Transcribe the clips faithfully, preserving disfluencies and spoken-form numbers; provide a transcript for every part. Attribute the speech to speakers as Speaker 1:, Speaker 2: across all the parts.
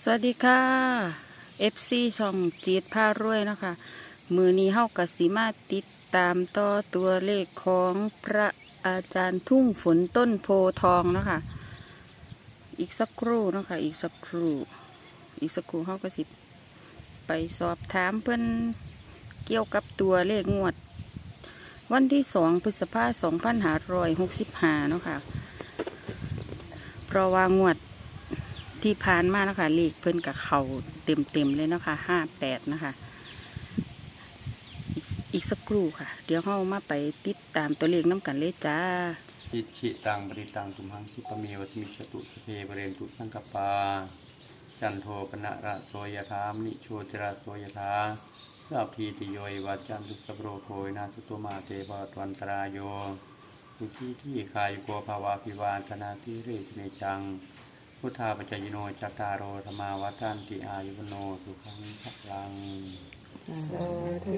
Speaker 1: สวัสดีค่ะ เอฟ ซี ช่องจีดพารวยนะคะมือนี้เฮากสิมาติดตามต่อตัวเลขของพระอาจารย์ทุ่งฝนต้นโพทองนะคะอีกสักครู่นะคะอีกสักครู่อีกสักครู่เฮาก็สิไปสอบถามเพื่อนเกี่ยวกับตัวเลขงวดวันที่สองพฤษภาคมสองพันห้าร้อยหกสิบห้าเนาะค่ะเพราะว่างวดที่ผ่านมานะคะเลขเพิ่นกับเขาเต็มเต็มเลยนะคะห้าแปดนะคะอีกสักครู่ค่ะเดี๋ยวเรามาไปติดตามตัวเลขน้ำกันเลยจ้า
Speaker 2: จิตฉิตังบริตังตุมหังคิปะเมวะมิชตุสเพบเรนตุสังกปาจันโทปนะระโสยธามนิโชติระโสยธาสัพพีติโยวัจจันตุสโปรโคยนาสุตมาเตปะวันตรายโยสุขีที่คายโกภาวาภิวาธนาทิเรศเนจังพุทธาปัจจยโนจัตตารโอธรรมาวัฏันติอายุวโนสุขังพลัง
Speaker 3: สาธุ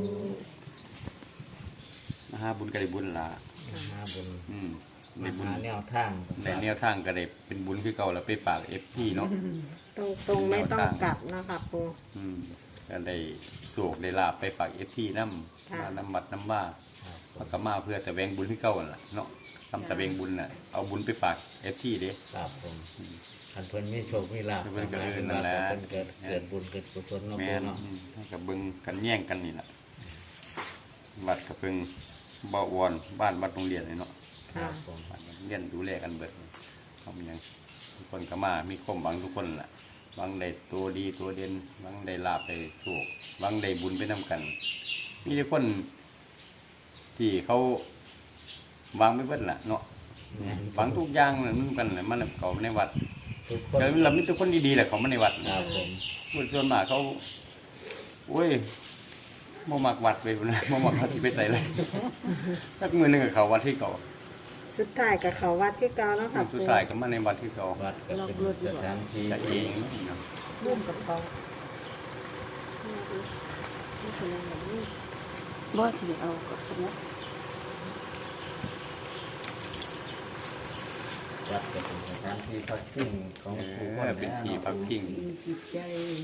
Speaker 2: มหาบุญกระไดบุญละ
Speaker 3: มหาบุญ
Speaker 2: อืม
Speaker 3: ในบุญแนวทาง
Speaker 2: ในแนวทางกระไดเป็นบุญคือเก่าแล้วไปฝากเอฟซีเนาะ
Speaker 4: ตรงตรงไม่ต้องกลับนะคะปู
Speaker 2: อืมก็ได้โศกได้ลาบไปฝากเอฟซีน้ำมาน้ำมัดน้ำว่าพระกมาเพื่อแต่แวงบุญที่เก่าล่ะเนาะทำแต่แวงบุญน่ะเอาบุญไปฝากเอฟซีเด้
Speaker 3: ครับผมอันเพิ่นมีโชคมีลาภ
Speaker 2: เพิ่นก็เออนั่นแหละ
Speaker 3: เพิ่นเกิดเกิดบุญเกิดกุศลเนาะ
Speaker 2: แม่นให้กับเบิ่งกันแย่งกันนี่ล่ะวัดกับเพิ่งบ่าวอนบ้านวัดโรงเรียนนี่เนาะ
Speaker 3: ครับผม
Speaker 2: บ้านเรียนดูแลกันเบิดเฮามีหยังทุกคนก็มามีความหวังทุกคนล่ะหวังได้ตัวดีตัวเด่นหวังได้ลาภได้โชคหวังได้บุญไปนำกันมีแต่คนที่เขาวางไม่เบิดล่ะเนาะวางทุกอย่างนั่นมันกันน่ะมันเขาในวัด
Speaker 3: ทุกคน
Speaker 2: แต่เรามีแต่คนดีๆแหละเขามาในวัด
Speaker 3: ครับผม
Speaker 2: คนส่วนมากเขาโอ้ยบ่มักวัดไปพุ่นน่ะบ่มักวัดที่ไปใส่เลยสักมื้อนึงก็เข้าวัดที่เก่า
Speaker 4: สุดท้ายกับเขาวัดที่เก่าแล้วค่ะ
Speaker 2: สุดท้ายก็มาในวัดที่เก่า
Speaker 3: วัดก็เป็นสถานที่
Speaker 2: จะเองเนาะ
Speaker 4: ร่วมกับเขา
Speaker 1: บ่ที่เอากับสมุด
Speaker 3: วัดก็เป็นสถานที่พักพิงของผู้คน
Speaker 2: เป็นที่พักพิง
Speaker 1: จิตใจ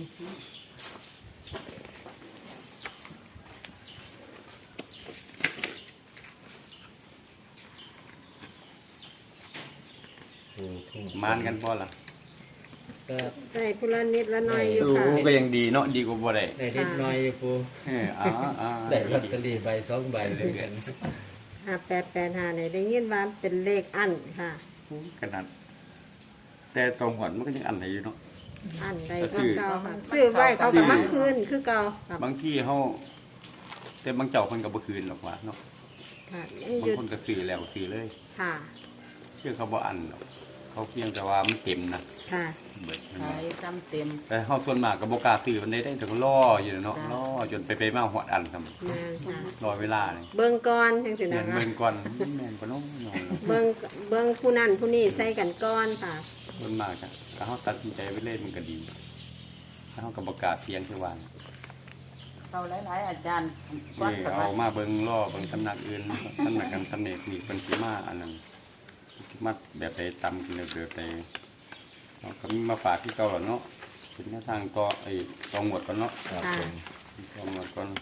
Speaker 2: มานกันพอล่ะ
Speaker 3: ก็
Speaker 4: ใส่พุละนิดละน้อยอยู่ค่ะ
Speaker 2: ก็ยังดีเนาะดีกว่าบ่ได้
Speaker 3: ได้นิดหน่อยอยู่ปู
Speaker 2: เอออ๋อๆ
Speaker 3: ได้ลอตเตอรี่ใบสองใบด้วยกัน
Speaker 4: ห้าแปดแปดห้าเนี่ยได้ยินว่าเป็นเลขอันค่ะ
Speaker 2: ขนาดแต่ตรงหอนมันก็ยังอันไหนอยู่เนาะ
Speaker 4: อันใดก็เก่าค่ะซื้อไว้เขาก็มาคืนคือเก่า
Speaker 2: บางที่เฮาแต่บางเจ้าเพิ่นก็บ่คืนหรอกว่าเนาะ
Speaker 4: ค่ะ
Speaker 2: บางคนก็ซื้อแล้วซื้อเลย
Speaker 4: ค่ะ
Speaker 2: คือเขาบ่อันหรอกเขาเพียงแต่ว่ามันเต็มนะ
Speaker 4: ค่ะ
Speaker 2: เบิด
Speaker 1: ขายจำเต็ม
Speaker 2: แต่เฮาส่วนมากก็บ่กล้าซื้อมันได้ได้ถึงรออยู่เนาะรอจนไปไปมาฮอดอันซั่น
Speaker 4: แม่นค่ะ
Speaker 2: รอเวลานี่
Speaker 4: เบิ่งก่อนจังซี่นะคะ
Speaker 2: เบิ่งก่อนแม่นบ่เนาะ
Speaker 4: เบิ่งเบิ่งผู้นั้นผู้นี้ใส่กันก่อนค่ะ
Speaker 2: ส่วนมากจ้ะถ้าเฮาตัดสินใจไว้เลยมันก็ดีถ้าเฮาก็บ่กล้าเสี่ยงคือว่า
Speaker 1: เอาหลายๆอาจารย์
Speaker 2: นี่เอามาเบิ่งรอเบิ่งตำหนักอื่นตำหนักกันตำเนกนี่เพิ่นสิมาอันนั้นมาแบบใดตำกันแบบใดเราก็มีมาฝากที่เก่าแล้วเนาะถึงแนวทางก็ไอ้ตองหมดก่อนเนาะ
Speaker 3: ครับผม
Speaker 2: ตองหมดก่อน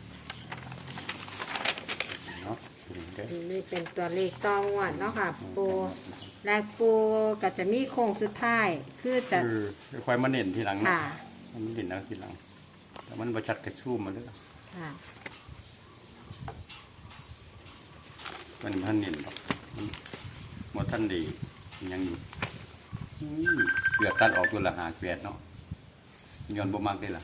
Speaker 2: เนาะ
Speaker 4: นี่เป็นตัวเลขตองวดเนาะค่ะปูแรกปูก็จะมีโค้งสุดท้ายคือจะ
Speaker 2: คือค่อยมาเน้นทีหลัง
Speaker 4: ค่ะ
Speaker 2: มันเน้นเอาทีหลังแต่มันบ่ชัดกระชูมมาเด้อ
Speaker 4: ค่ะ
Speaker 2: มันบ่ทันเน้นดอกบ่ทันได้ยังอยู่เกือบตัดออกตัวละห้าแปดเนาะย้อนบ่มักได้ล่ะ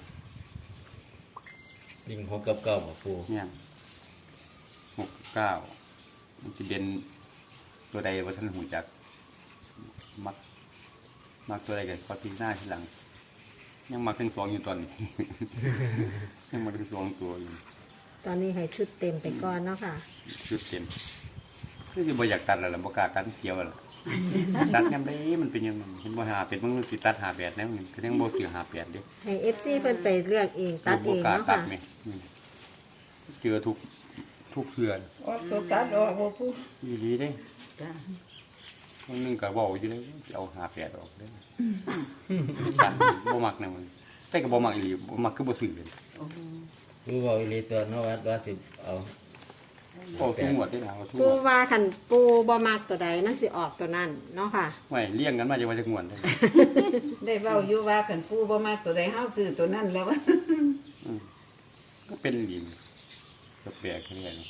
Speaker 3: วิ่งหกกับเก้าบ่ปู
Speaker 2: เนี่ยหกเก้ามันสิเด่นตัวใดบ่ทันหูจักมักมักตัวใดก็ขอทิ้งหน้าทีหลังยังมักทั้งสองอยู่ตอนนี้ ยังมักทั้งสองตัวอยู่
Speaker 4: ตอนนี้ให้ชุดเต็มไปก่อนเนาะค่ะ
Speaker 2: ชุดเต็มคือสิบ่อยากตัดแล้วล่ะบ่กล้าตัดเกี่ยวแล้วตัดยามใดมันเป็นยังเห็นบ่หาเป็ดมันสิตัดหาแปดแล้วนี่ก็ยังบ่สิหาแปดเด้
Speaker 4: ให้ เอฟ ซี เพิ่นไปเลือกเองตัดเองเนาะค่ะ
Speaker 2: เจอทุกทุกเทื่อ
Speaker 5: อ๋อตัวตัดออกบ่พูด
Speaker 2: อีหลีเด้
Speaker 1: จ้ะ
Speaker 2: คนหนึงก็เว้าอยู่เลยสิเอาห้าแปดออกเด้อจันบ่มักแนวมันแต่ก็บ่มักอีหลีบ่มักคือบ่ซื้อเลย
Speaker 3: ปูบอกอีหลีตัวนวัดว่าสิเอา
Speaker 2: เอาทุกงวดได้นะเอาทุกง
Speaker 4: ปู
Speaker 2: วด
Speaker 4: ว่าคันปูบ่มักตัวใดมันสิออกตัวนั้นเนาะค่ะ
Speaker 2: ไม่เลี้ยงกันมาจะว่าจะงวดได้
Speaker 5: ได้เว้าอยู่ว่าคันปู่บ่มักตัวใดเฮาซื้อตัวนั้นแล้ว
Speaker 2: อืมก็เป็นดีก็แปลกแค่นี้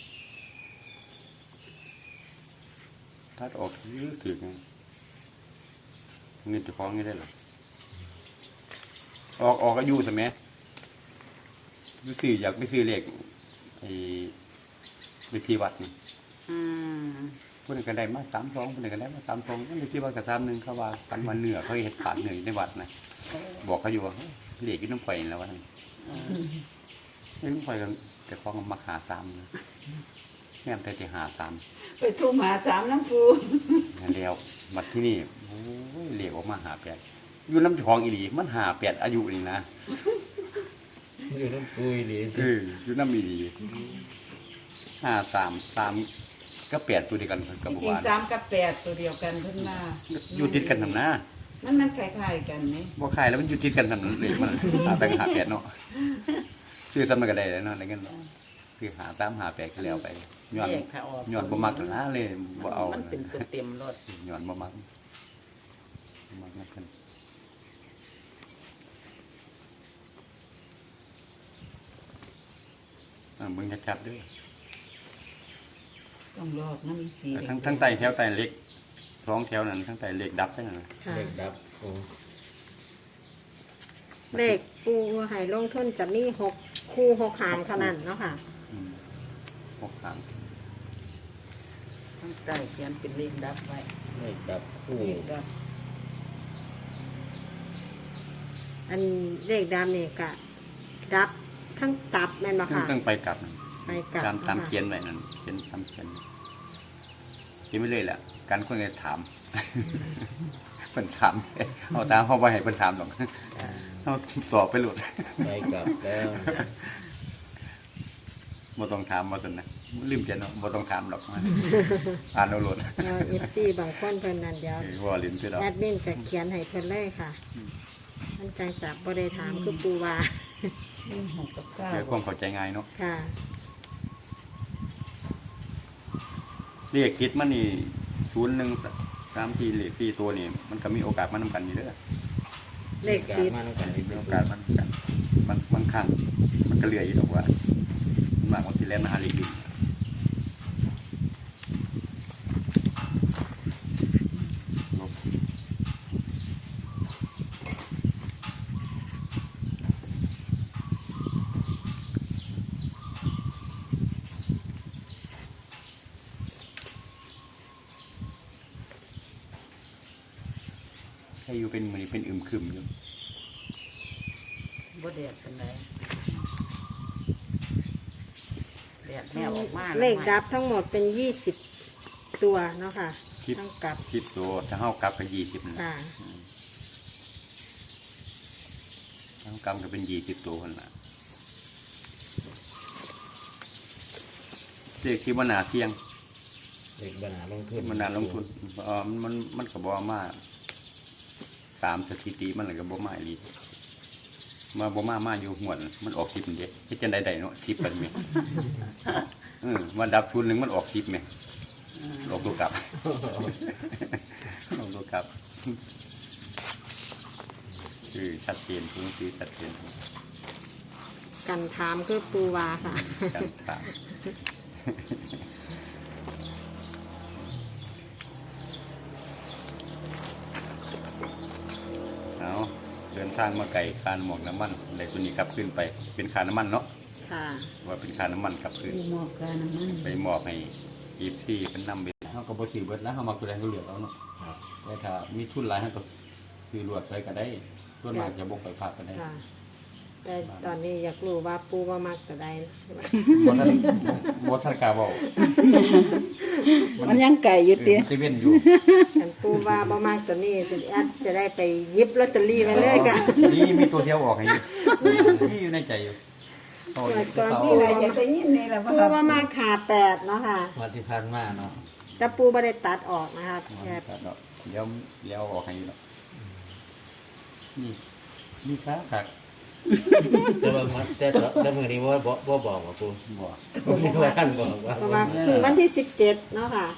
Speaker 2: ถ้าออกยื้อถึงเงินจะฟ้องงี้ได้หรอออกออกอายุใช่ไหมไปซื้ออยากไปซื้อเลขไอ้เลขที่วัดนี่
Speaker 5: อืม
Speaker 2: ผู้นึงก็ได้มาสามสองผู้นึงก็ได้มาสามสองเลขที่วัดกับสามหนึ่งเขาว่าปันวันเหนือเขาเห็ดผ่านเหนือในวัดนะบอกเขาอยู่ว่าเลขที่น้ำไฟแล้วว่าไม่น้ำไฟกันแต่ฟ้องมาหาสามนะแม่มแต่ที่หาสาม
Speaker 5: ไปทุ่มหาสามน้ำปู่
Speaker 2: แล้วมาที่นี่โอ้ยเหลวออกมาหาแปดอยู่น้ำของอีหลีมันหาแปดอายุนี่นะ
Speaker 3: อยู่น้ำปูอีหลี
Speaker 2: เอออยู่น้ำอีหลีห้าสามสามก็แปดตัวเดียวกันกับ
Speaker 5: จ
Speaker 2: บั
Speaker 5: ริง
Speaker 2: วาน
Speaker 5: ๆสามกับแปดตัวเดียวกันเพิ่นว่า
Speaker 2: อยู่ติดกันทำหน้า
Speaker 5: มันมันคล้ายๆกันนี่
Speaker 2: บ่ขายแล้วมันอยู่ติดกันทำนั้นเลยมันหาแต่หาแปดเนาะซื้อซ้ำมันก็ได้แล้วเนาะอะไรเงี้ยคือหาตามหาแปดก็แล้วไปย้อน
Speaker 5: แยกถ้าออก
Speaker 2: ย้อนบ่มักนะเลยบ่เอา
Speaker 5: มันเป็นตัวเต็มรถ
Speaker 2: ย้อนบ่มักบ่มักนักกันอ่ามึงจะจับด้วย
Speaker 5: ต้องรอบน้ำสี
Speaker 2: ทั้งทั้งไตแถวไตเล็กสองแถวนั้นทั้งไตเล็กดับได้นั่นนะ
Speaker 4: ค่ะ
Speaker 3: เด็กดับปู
Speaker 4: เลขปูให้ลงทุนจะมีหกคู่หกหางเท่านั้นเนาะค่ะ
Speaker 2: อืมหกครั้ง
Speaker 5: ทั้งใต้เขียนเป็นเลขดับไว้
Speaker 3: เด็กดับปู
Speaker 5: เลขดับ
Speaker 4: อันเลขดำนี่กะดับทั้งกลับแม่นบ่
Speaker 2: ทั้ง
Speaker 4: ค่ะ
Speaker 2: ทั้งไปกลับนั่น
Speaker 4: ไปกลับ
Speaker 2: ตามตาม
Speaker 4: ค่ะ
Speaker 2: เขียนไว้นั่นเขียนตามเขียนเขียนไม่เลยแหละการคนจะถาม เพิ่นถามเอาตามเขาไปให้เพิ่นถามหรอกเอาตอบไปหลุด
Speaker 3: ไปกลับแล้ว
Speaker 2: บ่ต้องถามบ่ซั่นนะลืมเขียนเนาะบ่ต้องถามหรอกอ่านเอาหลุด
Speaker 4: เดี๋ยว เอฟ ซี บางคนเพิ่นนั่นเดี๋ยว
Speaker 2: ว่าลิ้นคือเรา
Speaker 4: แอดมินจะเขียนให้เพิ่นเลยค่ะ มันจังจับบ่ได้ถามคือปูว่า
Speaker 5: เลขหกกับเก้า
Speaker 2: เดี๋ยวความเข้าใจง่ายเนาะ
Speaker 4: ค่ะ
Speaker 2: เลขคิดมันนี่ศูนย์หนึ่งสามสี่เลขสี่ตัวนี่มันก็มีโอกาสมานำกันอยู่เด้อ
Speaker 4: เลขติด
Speaker 3: มาต้องการอีก
Speaker 2: มี
Speaker 3: แล้
Speaker 2: โอ
Speaker 3: ว
Speaker 2: กาสมันกันมันบางครั้งมันก็เหลืออยู่ดอกว่ามันมากบางทีแล้วมาหาเลขดินลบให้อยู่เป็นมือเป็นอึมครึมอยู่
Speaker 5: บ่แดดเป็นไรแดดแนวออกมา
Speaker 4: เลขดับทั้งหมดเป็นยี่สิบตัวเนาะค่ะ
Speaker 2: คิด
Speaker 4: ทั้งกลับ
Speaker 2: คิดตัวถ้าเฮากลับก็ยี่สิบนะ
Speaker 4: ค่ะ
Speaker 2: ถ้าเฮากลับก็เป็นยี่สิบตัวคนละเลขที่มันหนาเที่ยง
Speaker 3: เด็กบรรณาลงทุน
Speaker 2: มันหนาลงทุนเออมันมันมันก็บ่มาตามสถิติมันเลยก็บ่มาอีหลีมาบ่มามาอยู่หวดมันออกสิบเด้เฮ็ดจังได๋ได้เนาะสิบเป็นแม่เออมาดับทุนหนึงมันออกสิบแม่ออกตัวกลับ ออกตัวกลับคือชัดเจนคือคือชัดเจน
Speaker 4: กันถามคือปูว่าค่ะ
Speaker 2: การถามเอาเดินทางมาไก่คานหมวกน้ำมันเลยตัวนี้กลับขึ้นไป เป็นคาน้ำมันเนาะ
Speaker 4: ค่ะ
Speaker 2: ว่าเป็นคาน้ำมันกลับขึ้น
Speaker 5: มีหมอกกันน้ำมัน
Speaker 2: ไปมอบให้อีฟซี่เป็นนำไปเขาก็บ่ซื้อเบิดแล้วเขามาคุยอะไรเขาเหลือเอาเนาะ
Speaker 3: ครับ
Speaker 2: แต่ถ้ามีทุนหลายเขาก็ซื้อรวดไปก็ได้ส่วนมากจะบกไปพลาดก็ได้
Speaker 4: ค่ะ แต่ตอนนี้อยากรู้ว่าปูว่ามักตัวใด
Speaker 2: บ่ทันบ่ทันกล้าเว้า
Speaker 1: มันยังไก่อยู่
Speaker 2: เออ
Speaker 1: เตี้ย
Speaker 2: มันสิเว้นอยู่
Speaker 4: ฉันปูว่าบ่มักตัวนี้สิแอดจะได้ไปหยิบลอตเตอรี่ไว้เลยค่ะ
Speaker 2: นี่มีตัวเดียวออกให้อยู่นี่อยู่ในใจอยู่เอา
Speaker 4: ก่อน
Speaker 2: เอา
Speaker 5: มีอะไรจะได้ยินนี่แหละว่า
Speaker 4: ปูว่ามักขาแปดเนาะค่ะ
Speaker 3: วันที่ผ่านมาเนาะ
Speaker 4: แต่ปูไม่ได้ตัดออกนะคะแค่
Speaker 2: ตัดดอกเดี๋ยวเดี๋ยวออกให้ดอกนี่นี่ครับครับ
Speaker 3: แต่ว่ามันแต่แต่แต่มื้อนี้ว่าบ่บ่บอกว่าปู
Speaker 2: บ่
Speaker 3: ผมนี่ว่าท่านบอกว่า
Speaker 4: เพราะว่าคือวันที่สิบเจ็ดเนาะค่ะ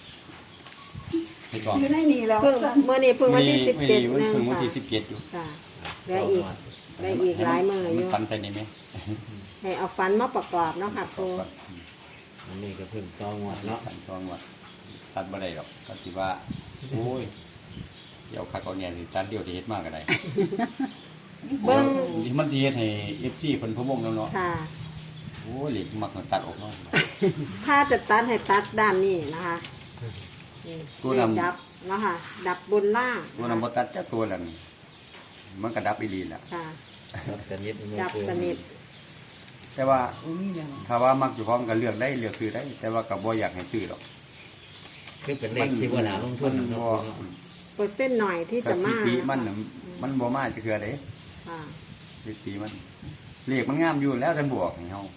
Speaker 2: ให้ก่อน
Speaker 5: อยู่ในนี่แล้ว
Speaker 4: เพิ่งเมื่อนี้เพิ่งวันที่สิบ
Speaker 2: มี
Speaker 4: เจ็ด
Speaker 2: มี
Speaker 4: นึง
Speaker 2: เพิ่งวัน
Speaker 4: ค่ะ
Speaker 2: ที่สิบเจ็ดอยู่
Speaker 4: ค่ะเหลืออีกเหลืออีกหลายมืออ
Speaker 2: มัน
Speaker 4: ยู่
Speaker 2: ฟันใส่นี่ไหม
Speaker 4: ให้เอาฟันมาประกอบเนาะค่ะปู
Speaker 3: อันนี้ก็เพิ่งต้องงวดเนาะ
Speaker 2: ฟันทองว่าตัดบ่ได้หรอกก็สิว่าโอ้ยเดี๋ยวคักเอาเนี่ยสิตัดเดียวที่เฮ็ดมากก็ได้
Speaker 4: เบิ้ง
Speaker 2: ที่มันสิเฮ็ดให้ เอฟ ซี เพิ่นพะวงแล้วเนาะ
Speaker 4: ค่ะ
Speaker 2: โอ้ยเหล็กมักตัดออกเนาะ
Speaker 4: ถ้าจะตัดให้ตัดด้านนี้นะคะนี่
Speaker 2: ตัว
Speaker 4: เล
Speaker 2: ดำ
Speaker 4: ขดับเนาะค่ะ ดับบนล่าง
Speaker 2: ตัวนั้นบ่ตัดจักตัวแล้วนี่มันก็ดับอีหลีล่ะ
Speaker 4: ค่ะ
Speaker 3: ครับสนิทไม่
Speaker 4: ดับ
Speaker 3: ปู
Speaker 4: สนิท
Speaker 2: แต่ว่าถ้าว่ามักอยู่พร้อมกันเลือกได้เลือกซื้อได้ แต่ว่าก็บ่อยากให้ซื้อหรอก
Speaker 3: คือเป็นเลขที่ว่าน่าลงทุน
Speaker 2: มัน
Speaker 3: เนาะ
Speaker 2: บ่
Speaker 3: ปูเนาะ
Speaker 4: เปอร์เซ็นต์หน่อยที่
Speaker 2: ส
Speaker 4: จะ
Speaker 2: ถิ
Speaker 4: มา
Speaker 2: ติมัน
Speaker 4: นะ
Speaker 2: น่ะมันบ่มาจักเทื่อเด้
Speaker 4: ค่ะ
Speaker 2: สถิติมันเลขมันงามอยู่แล้วท่านบอกให้เฮา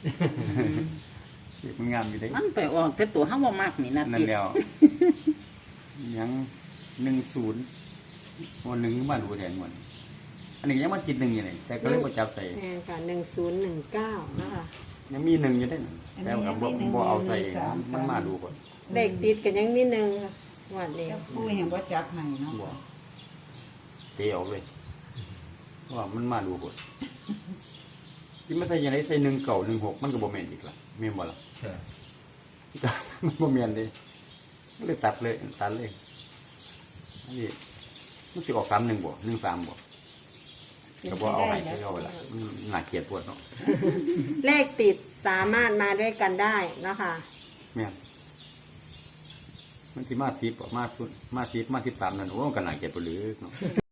Speaker 2: เลขมันงามอยู่เด้
Speaker 5: มันไปออกแต่ตัวเฮาบ่มักนี่นะ
Speaker 2: นั่นแล้วยังหนึ่งศูนย์วันหนึ่งมาดูแทนหมดอันนี้ยังมากินหนึ่งอยู่เลยแต่ก็เลยบ่จับใส่
Speaker 4: แน่ค่ะหนึ่งศูนย์หนึ่งเก้านะคะ
Speaker 2: ยังมีหนึ่งอยู่ได้นั่นแต่ว่าบ่บ่เอาใส่มันมาดูก่อน
Speaker 4: เลขติดกันยังมีหนึ่งค่ะงวันนี้
Speaker 5: แต่ปูยังบ่จับให้เนาะ
Speaker 2: บ่เตะออกเลยว่ามันมาดูก่อนที่มาใส่ยังไงใส่หนึ่งเก่าหนึ่งหกมันก็บ่แม่นอีกละแม่นบ่ล่ะ มันบ่แม่นเด้ก็เลยตัดเลยตัดเลยนี่มันสิออกสามหนึ่งบ่หนึ่งสามบ่ก็บ่เอาให้ให้เอาไว้ละมันน่าเกลียดปวดเนาะ
Speaker 4: เลขติดสามารถมาด้วยกันได้เนาะคะ
Speaker 2: แม่นมันสิมาสิบบ่มามาสิบมาสิบสามนั่นโอ้ก็น่าเกลียดปวดหรือเนาะ